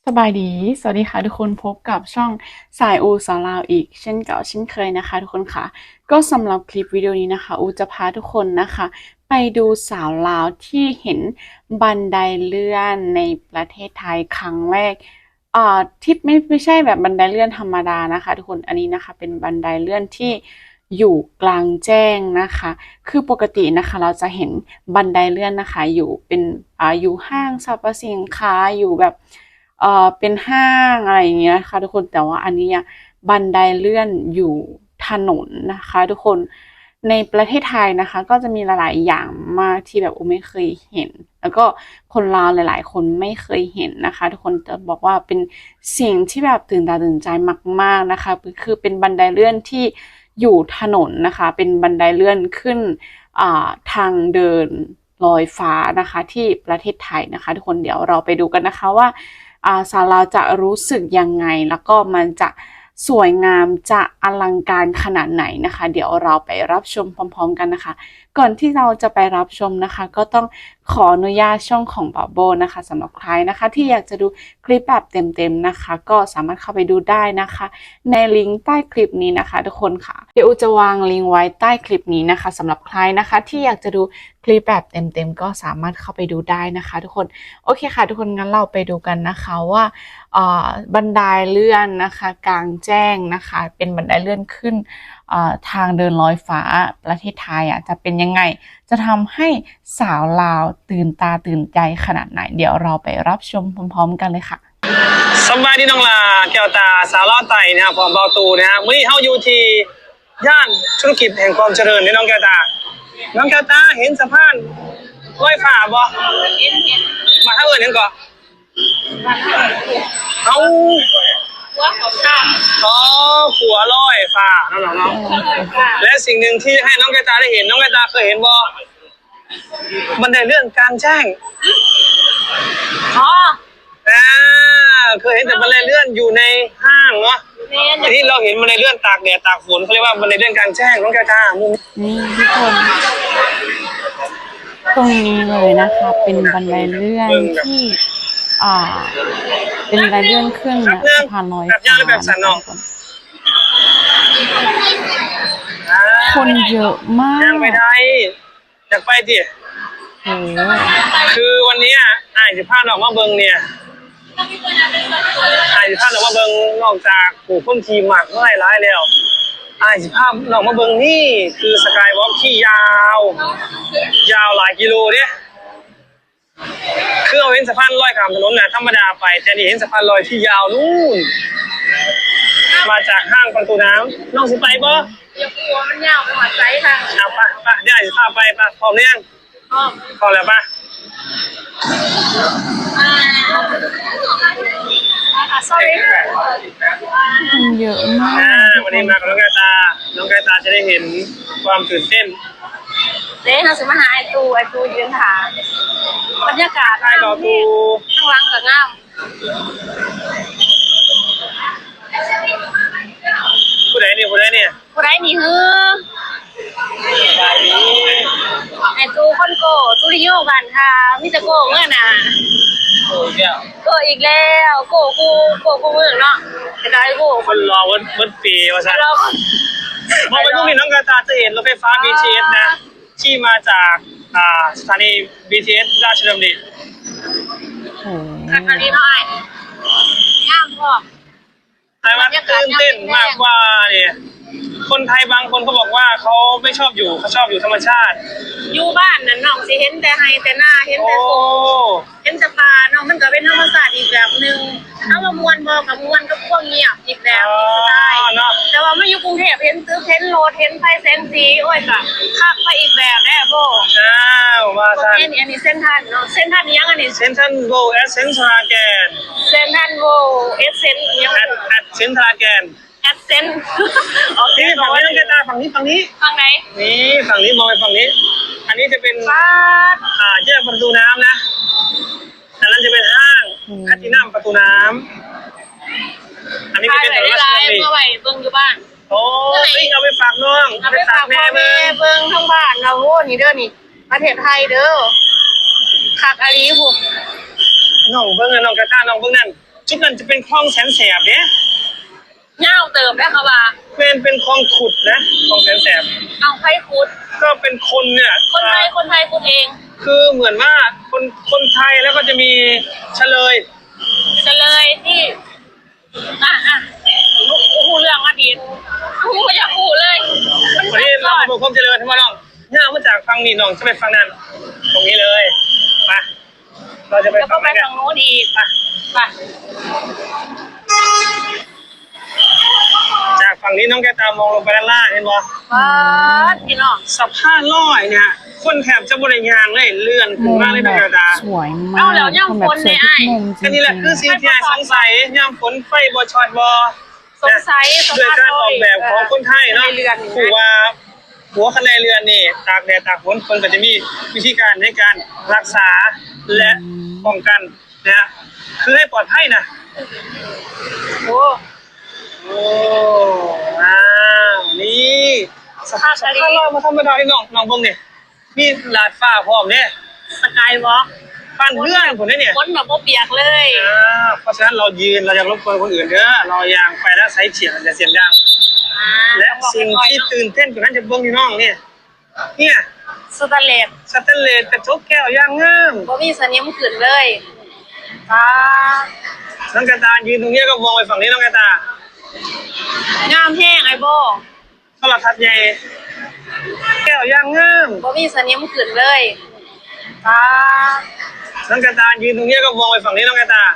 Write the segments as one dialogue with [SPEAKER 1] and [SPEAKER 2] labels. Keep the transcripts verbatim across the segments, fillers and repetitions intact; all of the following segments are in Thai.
[SPEAKER 1] สบายดีสวัสดีค่ะทุกคนพบกับช่องสายอูสอนลาวอีกเช่นเก่าเช่นเคยนะคะทุกคนค่ะก็สำหรับคลิปวิดีโอนี้นะคะอูจะพาทุกคนนะคะไปดูสาวลาวที่เห็นบันไดเลื่อนในประเทศไทยครั้งแรกอ่าที่ไม่ไม่ใช่แบบบันไดเลื่อนธรรมดานะคะทุกคนอันนี้นะคะเป็นบันไดเลื่อนที่อยู่กลางแจ้งนะคะคือปกตินะคะเราจะเห็นบันไดเลื่อนนะคะอยู่เป็นอ่าอยู่ห้างสรรพสินค้าอยู่แบบ เอ่อเป็นห้างอะไรอย่างเงี้ยค่ะทุกคนแต่ว่าอันนี้อะบันไดเลื่อนอยู่ถนนนะคะทุกคนในประเทศไทยนะคะก็จะมีหลายๆอย่างมากที่แบบโอไม่เคยเห็นแล้วก็คนลาวหลายๆคนไม่เคยเห็นนะคะทุกคนจะบอกว่าเป็นสิ่งที่แบบตื่นตาตื่นใจมากๆนะคะคือเป็นบันไดเลื่อนที่อยู่ถนนนะคะเป็นบันไดเลื่อนขึ้นอ่าทางเดินลอยฟ้านะคะที่ประเทศไทยนะคะทุกคนเดี๋ยวเราไปดูกันนะคะว่า อ่าสาวเราจะรู้สึกยังไงแล้วก็มันจะสวยงามจะอลังการขนาดไหนนะคะเดี๋ยวเราไปรับชมพร้อมๆกันนะคะก่อนที่เราจะไปรับชมนะคะก็ต้องขออนุญาตช่องของบาโบนะคะสำหรับใครนะคะที่อยากจะดูคลิปแบบเต็มๆนะคะก็สามารถเข้าไปดูได้นะคะในลิงก์ใต้คลิปนี้นะคะทุกคนค่ะเดี๋ยวจะวางลิงก์ไว้ใต้คลิปนี้นะคะสำหรับใครนะคะที่อยากจะดูคลิปแบบเต็มๆก็สามารถเข้าไปดูได้นะคะทุกคนโอเคค่ะทุกคนงั้นเราไปดูกันนะคะว่าบันไดเลื่อนนะคะกลางแจ้งนะคะเป็นบันไดเลื่อนขึ้นทางเดินลอยฟ้าประเทศไทยอ่ะจะเป็นยังไงจะทำให้สาวลาวตื่นตาตื่นใจขนาดไหนเดี๋ยวเราไปรับชมพร้อมๆกันเลยค่ะ
[SPEAKER 2] สบายดีน้องลาแก้วตาสาวลาวไต่นะครับผมเบาตูนะฮะมื้อนี้เฮาอยู่ที่ย่านธุรกิจแห่งความเจริญนี่น้องแก้วตาน้องแก้วตาเห็นสะพานลอยฟ้าบ่เห็นเห็นมาทางอื่นเห็นก่อนเอาหัวของข้าอ๋อขัวลอยฟ้าน้องๆเนาะและสิ่งหนึ่งที่ให้น้องแก้วตาได้เห็นน้องแก้วตาเคยเห็นบ่บันไดเลื่อนกลางแจ้งอ๋ออ่าเคยเห็นแต่บันไดเลื่อนอยู่ในห้างเนาะทีนี้เราเห็นบันไดเลื่อนตากแดดตากฝนเขาเรียกว่าบันไดเลื่อนกลางแจ้งน้องแก้วตามุม
[SPEAKER 1] นี่ทุกคนตรงนี้เลยนะคะเป็นบันไดเลื่อนที่อ่าเป็นบันไดเลื่อนขึ้นนะสะพานลอยฟ้าคนเยอะมาก
[SPEAKER 2] ยังไปได้อยากไปดิ
[SPEAKER 1] โอ้
[SPEAKER 2] คือวันนี้อ่านสิภาพออกมาเบิงเนี่ยอ่านสิภาพออกมาเบิงนอกจากผู้คนทีมหมักเมื่อไรร้ายแล้วอ่านสิภาพออกมาเบิงนี่คือสกายวอล์กที่ยาวยาวหลายกิโลเนี่ยคือเอาเห็นสะพานลอยข้ามถนนน่ะธรรมดาไปแต่นี่เห็นสะพานลอยที่ยาวนู่นมาจากห้างประตูน้ำน้องสิไปบ่
[SPEAKER 3] อย่ากลัวมันยาวหัวใจค่ะ
[SPEAKER 2] เอาปะปะเดี๋ยวอ่านสิภาพไปปะพร้อมหรือยัง
[SPEAKER 3] พร้อม
[SPEAKER 2] พร้อมแล้วปะ
[SPEAKER 3] sorry
[SPEAKER 1] คนเยอะมาก
[SPEAKER 2] วันนี้มากับน้องแก้วตาน้องแก้วตาจะได้เห็นความตื่นเต้น
[SPEAKER 3] เด้เราจะมาหาไอตูไอตูยืนถามบรรยากาศ
[SPEAKER 2] ใช่รอตู
[SPEAKER 3] ข้างหลังกับงาม
[SPEAKER 2] ผู้ใดเนี่ยผู้ใดเนี่ย
[SPEAKER 3] ผู้ใดนี่ฮือไอตูคนโกตูริโยกันค่ะมิจะโกเมื่อน่ะ
[SPEAKER 2] โอ้ยแก้ว
[SPEAKER 3] โกอีกแล้วโกกูโกกูเมื่อเนาะจะได้โก
[SPEAKER 2] คนรอวันวันปีว่าซะมองไปตรงนี้น้องแก้วตาจะเห็นรถไฟฟ้า บี ที เอส นะที่มาจากอ่าสถานี บี ที เอส ราชดำเนิน
[SPEAKER 1] โอ้
[SPEAKER 3] คันนี้หน่อยงามพอ
[SPEAKER 2] ไอ้ว่าตื่นเต้นมากกว่าเนี่ยคนไทยบางคนเขาบอกว่าเขาไม่ชอบอยู่เขาชอบอยู่ธรรมชาติ
[SPEAKER 3] อยู่บ้านนั่นน้องสิเห็นแต่ไฮแต่หน้าเห็นแต่โซเห็นสะพานน้องมันก็เป็นธรรมชาติอีกแบบนึงถ้ามามวนบ่กับมวนก็พวกเงียบอีกแบบอีกสไตล์แต่ว่ามาอยู่กรุงเทพเห็นตึกเห็นรถเห็นไฟเซนซีโอ้ยก็คักไปอีกแบบแน่โบ
[SPEAKER 2] อ้าวว่าซั่น
[SPEAKER 3] อันนี้อันนี้เส้นทันเนาะเส้นทันยังอันนี้
[SPEAKER 2] เส้นทันโวเอสเซนทราแกน
[SPEAKER 3] เส้นทันโวเอสเซนยัง
[SPEAKER 2] แอดแอดเซนทราแกน
[SPEAKER 3] แอดเซนโอเค
[SPEAKER 2] ฝั่งนี้น้องแก้วตาฝั่งนี้ฝั่งนี้
[SPEAKER 3] ฝั่งไหน
[SPEAKER 2] นี่ฝั่งนี้มองไปฝั่งนี้อันนี้จะเป็นอ่าแยกประตูน้ำนะอันนั้นจะเป็นห้างแพทินัมประตูน้ำอันนี้จะเป็นถนนราชดำเนิน
[SPEAKER 3] เมื่อไหร่เบิ่งอยู่บ้าน
[SPEAKER 2] โอ้ยเอาไปฝากน้อง
[SPEAKER 3] เอาไปฝากแม่เบิ่งทั้งบ้านเราโอ้นี่เด้อนี่ประเทศไทยเด้อคักอาลีหุบ
[SPEAKER 2] น้องเบิ่งน้องแก้วตาน้องเบิ่งนั่นจุดนั้นจะเป็นคลองแสนแสบเนี่ย
[SPEAKER 3] เง่าเติมได้ค่ะว่า
[SPEAKER 2] เป็นเป็นคลองขุดนะคลองแสนแสบ
[SPEAKER 3] เอาไข่คุด
[SPEAKER 2] ก็เป็นคนเนี่ย
[SPEAKER 3] คนไทยคนไทยคุดเอง
[SPEAKER 2] คือเหมือนว่าคนคนไทยแล้วก็จะมีเฉลย
[SPEAKER 3] จะเลยที่อ่ะอ่ะลูกกูเรื่องอดีตกูก็อยากกูเลยมัน
[SPEAKER 2] วัน
[SPEAKER 3] เป็
[SPEAKER 2] นี้
[SPEAKER 3] น
[SPEAKER 2] เรา
[SPEAKER 3] ก่อน
[SPEAKER 2] มาบอกความเจริญทั้งหมดน้องย่ามาจากฝั่งนี้น้องจะไปฝั่งนั้น ตรงนี้เลยไปเราจะไป
[SPEAKER 3] แล้วก็
[SPEAKER 2] ฝั่ง
[SPEAKER 3] ไป
[SPEAKER 2] ไหนกัน
[SPEAKER 3] ทางโน้นอีก
[SPEAKER 2] ไป
[SPEAKER 3] ไป
[SPEAKER 2] จากฝั่งนี้น้องแกตามองลงไปด้านล่างเห็นบ่
[SPEAKER 3] ว้าพี่น้อง
[SPEAKER 2] สะพานลอยเนี่ยคนแถบจะบริยางเลยเลื่อนขึ้นมาเลยน้องแกตา
[SPEAKER 1] สวยมากแบบสวยทุกมุมจริ
[SPEAKER 2] อันนี้แหละคือสิ่งที่น่าสงสัยย่ำฝนไฟบ่ช็อตบ่
[SPEAKER 3] สงสัยสะ
[SPEAKER 2] ด้วย
[SPEAKER 3] พาน
[SPEAKER 2] การ
[SPEAKER 3] ล
[SPEAKER 2] อ
[SPEAKER 3] อ
[SPEAKER 2] อย กแบบของคนไทยเนาะ
[SPEAKER 3] ในเรือน
[SPEAKER 2] คือว่าหัวคะแนนเรือนนี่ตากแดดตากฝนคนก็จะมีวิธีการในการรักษาและป้องกันนะฮะคือให้ปลอดภัยนะ
[SPEAKER 3] โอ้
[SPEAKER 2] โอ้อ้าวนี่สภาพสภาพลอยมาธรรมดาที่น้องน้องเบิ่งนี่มีลาดฟ้าพร้อมเนี่ย
[SPEAKER 3] สกายวอล์ก
[SPEAKER 2] ปั้นเพื่อนผมเนี่ย
[SPEAKER 3] ฝนแบบบ่เปียกเลย
[SPEAKER 2] อ่าเพราะฉะนั้นเรายืนเราจะรบกวนคนอื่นเด้อเรายางไปแล้วไซส์เฉียงจะเสียงดัง
[SPEAKER 3] อ่า
[SPEAKER 2] และสิ่งที่ตื่นเต้นกว่านั้นจะเบิ่งที่น้องเนี่ยเนี่ย
[SPEAKER 3] สแตนเลส
[SPEAKER 2] สแตนเลสกระจกแก้วย่างงาม
[SPEAKER 3] บ่มีสนิมขึ้นเลยตา
[SPEAKER 2] น้องกระตายืนตรงนี้ก็มองไปฝั่งนี้น้องกระตาง
[SPEAKER 3] ามแห้งไอ้โบ
[SPEAKER 2] โทรทัศน์ใหญ่แก้วย่างงาม
[SPEAKER 3] บ่มีสนิมขึ้นเลยตา
[SPEAKER 2] น้องกระตายืนตรงนี้ก็มองไปฝั่งนี้น้องกระตาง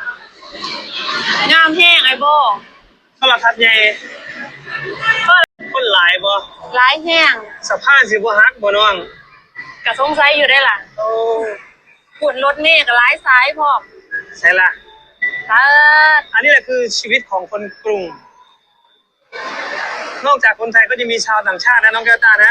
[SPEAKER 3] ามแห้งไอ้โบ
[SPEAKER 2] โทรทัศน์ใหญ่
[SPEAKER 3] ก็
[SPEAKER 2] คนหลายบ่
[SPEAKER 3] หลายแห้ง
[SPEAKER 2] สะพานสิบ่ฮักบ่น้อง
[SPEAKER 3] ก็สงสัยอยู่ได้ล่ะ
[SPEAKER 2] โอ้
[SPEAKER 3] ฝุ่นรถเมฆก็หลายสายพร้อม
[SPEAKER 2] ใช่ละ
[SPEAKER 3] ตา
[SPEAKER 2] อันนี้แหละคือชีวิตของคนกรุง นอกจากคนไทยก็จะมีชาวต่างชาตินะน้องแก้วตานะ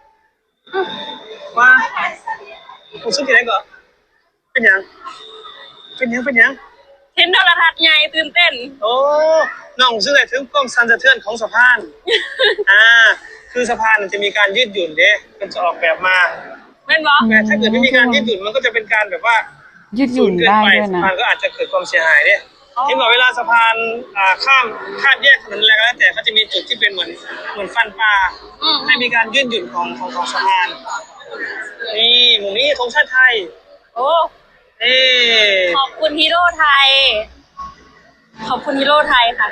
[SPEAKER 2] ว่าคุณสุดที่ไหนก่อนเป็นหยังเป็นหยังเป็นหยัง
[SPEAKER 3] เห็นโทรทัศน์ใหญ่ตื่นเต้น
[SPEAKER 2] โอ้น้องซึ่งไอ้ถึงกล้องซันสะเทือนของสะพาน อ่า คือสะพานมันจะมีการยืดหยุ่นเด้มันจะออกแบบมา
[SPEAKER 3] แม่นบ่
[SPEAKER 2] แต่ถ้าเกิดไม่มีการยืดหยุ่นมันก็จะเป็นการแบบว่า
[SPEAKER 1] ยืดหยุ่นได้ด้วย
[SPEAKER 2] สะ
[SPEAKER 1] นะ
[SPEAKER 2] พานก็อาจจะเกิดความเสียหายเด้ที่บอกเวลาสะพานอ่าข้ามข้ามแยกถนนอะไรก็แล้วแต่เขาจะมีจุดที่เป็นเหมือนเหมือนฟันปลา
[SPEAKER 3] อืม
[SPEAKER 2] ให้มีการยืดหยุ่นของของของสะพาน นี่หมู่นี้ธงชาติไทย
[SPEAKER 3] โอ้
[SPEAKER 2] เอ๊ะ
[SPEAKER 3] ขอบคุณฮีโร่ไทย ขอบคุณฮีโร่ไทยค่ะ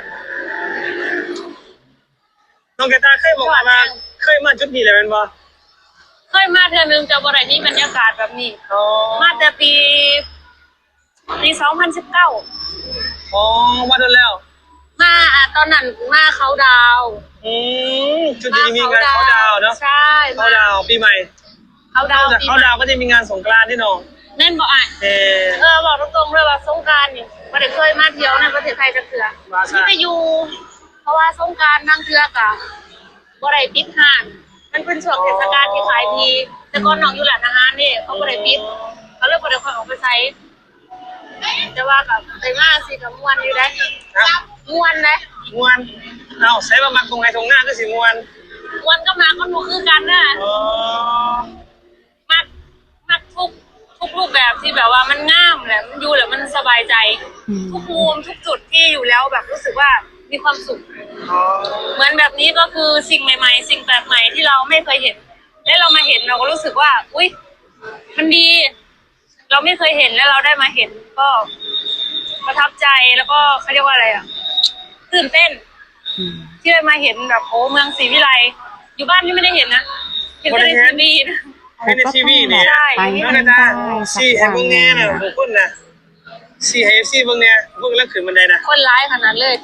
[SPEAKER 2] น้องแกตาเคยบอกว่าเคยมาจุดนี้เลยเป็นบ่
[SPEAKER 3] เคยมาเทื่อนึงจะบ่ได้มีบรรยากาศแบบนี้
[SPEAKER 2] อ๋อ
[SPEAKER 3] มาแต่ปีปีสองพันสิบเก้า
[SPEAKER 2] อ๋อมาโดนแล้ว
[SPEAKER 3] มาอ่ะตอนนั้นมาเขาดาวน์
[SPEAKER 2] อืมจุดนี้มีงานเขาดาวน์เนาะ
[SPEAKER 3] ใช่
[SPEAKER 2] เขาดาวน์ปีใหม่
[SPEAKER 3] เขาดาน
[SPEAKER 2] อ
[SPEAKER 3] ว
[SPEAKER 2] กจาก
[SPEAKER 3] ปี
[SPEAKER 2] เขาดาวน์ก็จะมีงานสงกรานต์ที่น้อง
[SPEAKER 3] แม่นบ่อ่ะ
[SPEAKER 2] เออ
[SPEAKER 3] เออบอกตรงๆเลยว่าสงกรานต์นี่บ่ได้เคยมาเที่ยวในประเทศไทยจักเทื่อ
[SPEAKER 2] ว่าซะ
[SPEAKER 3] ที่ไปอยู่ เพราะว่าสงกรานต์นั่งเทื่อกะบ่ได้ปิดห้างมันเป็นช่วงเทศกาลที่ขายดีแต่ก่อนน้องอยู่ร้านอาหารนี่เขาบ่ได้ปิดเขาเลยบ่ได้ค่อยออกไปใช้แต่ว่ากับไปมาสิกับม่วนอยู่ได้
[SPEAKER 2] ครับ
[SPEAKER 3] ม่วนได้
[SPEAKER 2] มวนเอาใส่บะมักตรงไหนตรงหน้าก็สิมวน
[SPEAKER 3] ม่วนก็มาก็หนูคือกันน่ะ
[SPEAKER 2] อ๋อ
[SPEAKER 3] มักมักทุกทุกรูปแบบที่แบบว่ามันงามแหละมันอยู่แล้วมันสบายใจ
[SPEAKER 1] อืม
[SPEAKER 3] ทุกมุมทุกจุดที่อยู่แล้วแบบรู้สึกว่ามีความสุข
[SPEAKER 2] อ๋อ
[SPEAKER 3] เหมือนแบบนี้ก็คือสิ่งใหม่ๆ สิ่งแปลกใหม่ที่เราไม่เคยเห็น และเรามาเห็นเราก็รู้สึกว่า อุ๊ย มันดี เราไม่เคยเห็นแล้วเราได้มาเห็น ก็ประทับใจแล้วก็เขาเรียกว่าอะไรอ่ะตื่นเต้น
[SPEAKER 1] อืม
[SPEAKER 3] ที่ได้มาเห็นแบบโอ้เมืองศรีวิไลอยู่บ้านนี่ไม่ได้เห็นนะเห็นแต่ในทีวีนะ
[SPEAKER 2] ให้ในทีวีนี่
[SPEAKER 3] ใช่
[SPEAKER 1] ไป
[SPEAKER 2] น้อง
[SPEAKER 1] กั
[SPEAKER 2] ก
[SPEAKER 1] น
[SPEAKER 2] ระ
[SPEAKER 1] ได้
[SPEAKER 2] ตา
[SPEAKER 1] สัก
[SPEAKER 2] สี่
[SPEAKER 1] อ
[SPEAKER 2] ให้
[SPEAKER 1] ย่าง
[SPEAKER 2] เบิ่ง
[SPEAKER 1] ห
[SPEAKER 2] แน่
[SPEAKER 1] นึ่ง
[SPEAKER 2] น่ะบุคคลน่ะสี่ให้ เอฟ ซีเบิ่งแน่เบิ่งแล้วขึ้นบันไดนะ
[SPEAKER 3] คนร้ายขนาดเลย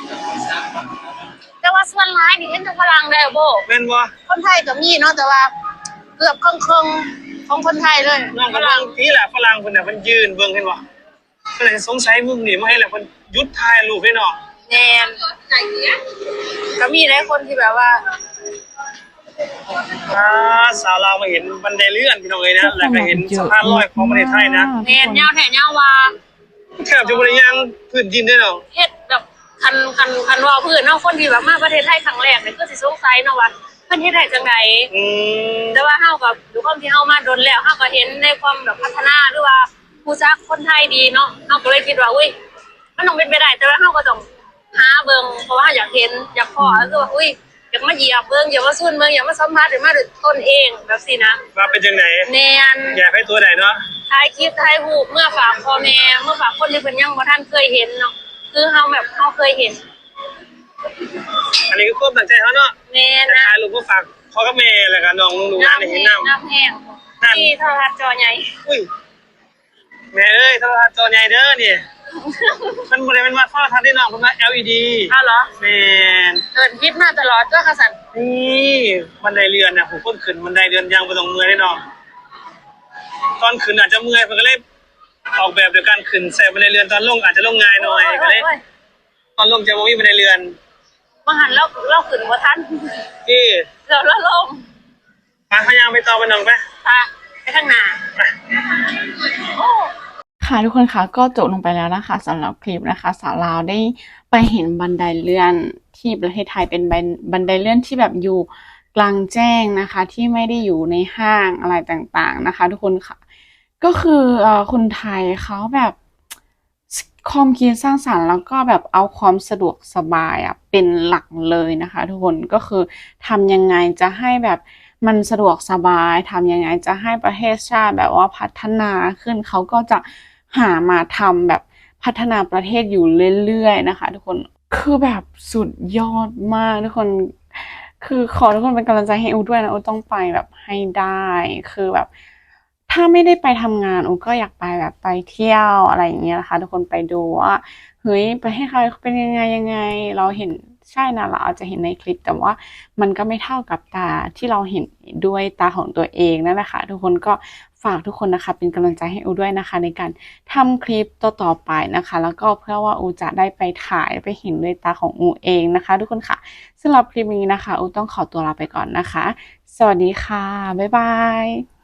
[SPEAKER 3] แต่ว่าส่วนร้ายนี่เห็นแต่พลังได้โบ
[SPEAKER 2] แม่นบ่
[SPEAKER 3] คนไทยก็มีเนาะแต่ว่าเกือบครึ่งๆของคนไทยเลย
[SPEAKER 2] น้องก็เบิ่งทีแหละฝรั่งเพิ่นน่ะเพิ่นยืนเบิ่งเห็นบ่เพิ่นเลยสงสัยมึงนี่มาให้แหละเพิ่นหยุดถ่ายรูปให้น้อง
[SPEAKER 3] แนนก็มีหลายคนที่แบบว่า
[SPEAKER 2] อ่าสาวลาวมาเห็นบันไดเลื่อนพี่น้องเอ้ยนะแล้วก็เห็นสะพานลอยของประเทศไทยนะ
[SPEAKER 3] แนนยาวแถวยาววา
[SPEAKER 2] แทบจะบ่ได้ย่างพื้นดินได้หรอก
[SPEAKER 3] เฮ็ดแบบคันคันคันว่าพื้นเนาะคนที่แบบมาประเทศไทยครั้งแรกเนี่ยก็สิสงสัยเนาะว่าเพิ่นเฮ็ดได้จังได
[SPEAKER 2] อืม
[SPEAKER 3] แต่ว่าเฮากับด้วยความที่เฮามาโดนแล้วเฮาก็เห็นในความแบบพัฒนาหรือว่าผู้จักคนไทยดีเนาะเฮาก็เลยคิดว่าอุ้ยมันต้องเป็นไปได้แต่ว่าเราก็ต้องหาเบิ่งเพราะว่าอยากเห็นอยากพอก็คือว่าอุ้ยอยากมาเหยียบเบิ่งอยากมาซุ่นเบิ่งอยากมาสัมผัสหรือมาด้วยตนเองแบบสินะ
[SPEAKER 2] ว่าเป็นจังไหน
[SPEAKER 3] แมน
[SPEAKER 2] อยากให้ตัวไหนเนาะ
[SPEAKER 3] ถ่ายคลิปถ่ายรูปเมื่อฝากพ่อแม่เมื่อฝากคนที่เพิ่นยังบ่ทันเคยเห็นเนาะคือเฮาแบบเฮาเคยเห็น
[SPEAKER 2] อันนี้ก็ควบตั้งใจเขาเนาะ
[SPEAKER 3] แม่นะ
[SPEAKER 2] ถ่ายรูปก็ฝากพ่อกับแม่แล้วก็น้องลุงๆร้านให้เห็นน้ำ
[SPEAKER 3] น้ำแห้งที่โทรทัศน์จอใหญ่
[SPEAKER 2] อุ้ยแม่เอ้ยโทรทัศน์จอใหญ่เด้อนี่ มันบ่ได้เป็นว่าโทรทัศน์ที่น้องเพิ่นว่า แอล อี ดี
[SPEAKER 3] อ้าวเหรอ
[SPEAKER 2] แม่น
[SPEAKER 3] เกิดคิดมาตลอดก็ค่ะสัน
[SPEAKER 2] นี่บันไดเรือนน่ะผมเพิ่งขึ้นบันไดเรือนยังบ่ต้องเมื่อยได้น้องตอนขึ้นอาจจะเมื่อยเพิ่นก็เลยออกแบบโดยการขึ้นใส่บันไดเรือนตอนลงอาจจะลงง่ายหน่อยก็เลยตอนลงจะบ่มีบันไดเรือน
[SPEAKER 3] มาหันเราเราขึ้นบ่ทัน
[SPEAKER 2] ที่
[SPEAKER 3] เราเราลง
[SPEAKER 2] พาพยางไปต่อไปน้องไป
[SPEAKER 3] พาไปข้างหน้าโอ้
[SPEAKER 1] ค่ะทุกคนคะก็จบลงไปแล้วนะคะสำหรับคลิปนะคะสาวลาวได้ไปเห็นบันไดเลื่อนที่ประเทศไทยเป็นบันไดเลื่อนที่แบบอยู่กลางแจ้งนะคะที่ไม่ได้อยู่ในห้างอะไรต่างๆนะคะ ทุกคนค่ะก็คือเอ่อคนไทยเขาแบบความคิดสร้างสรรค์แล้วก็แบบเอาความสะดวกสบายอ่ะเป็นหลักเลยนะคะ ทุกคนก็คือทำยังไงจะให้แบบมันสะดวกสบายทำยังไงจะให้ประเทศชาติแบบว่าพัฒนาขึ้นเขาก็จะหามาทำแบบพัฒนาประเทศอยู่เรื่อยๆนะคะ ทุกคนคือแบบสุดยอดมากทุกคนคือขอทุกคนเป็นกำลังใจให้อูด้วยนะอูต้องไปแบบให้ได้คือแบบถ้าไม่ได้ไปทำงานอูก็อยากไปแบบไปเที่ยวอะไรอย่างเงี้ยนะคะทุกคนไปดูว่าเฮ้ยประเทศไทยเป็นยังไงยังไงเราเห็นใช่นะเราอาจจะเห็นในคลิปแต่ว่ามันก็ไม่เท่ากับตาที่เราเห็นด้วยตาของตัวเองนั่นแหละค่ะทุกคนก็ฝากทุกคนนะคะเป็นกำลังใจให้อูด้วยนะคะในการทำคลิปต่อๆไปนะคะแล้วก็เพื่อว่าอูจะได้ไปถ่ายไปเห็นด้วยตาของอูเองนะคะทุกคนค่ะสำหรับคลิปนี้นะคะอูต้องขอตัวลาไปก่อนนะคะสวัสดีค่ะบ๊ายบาย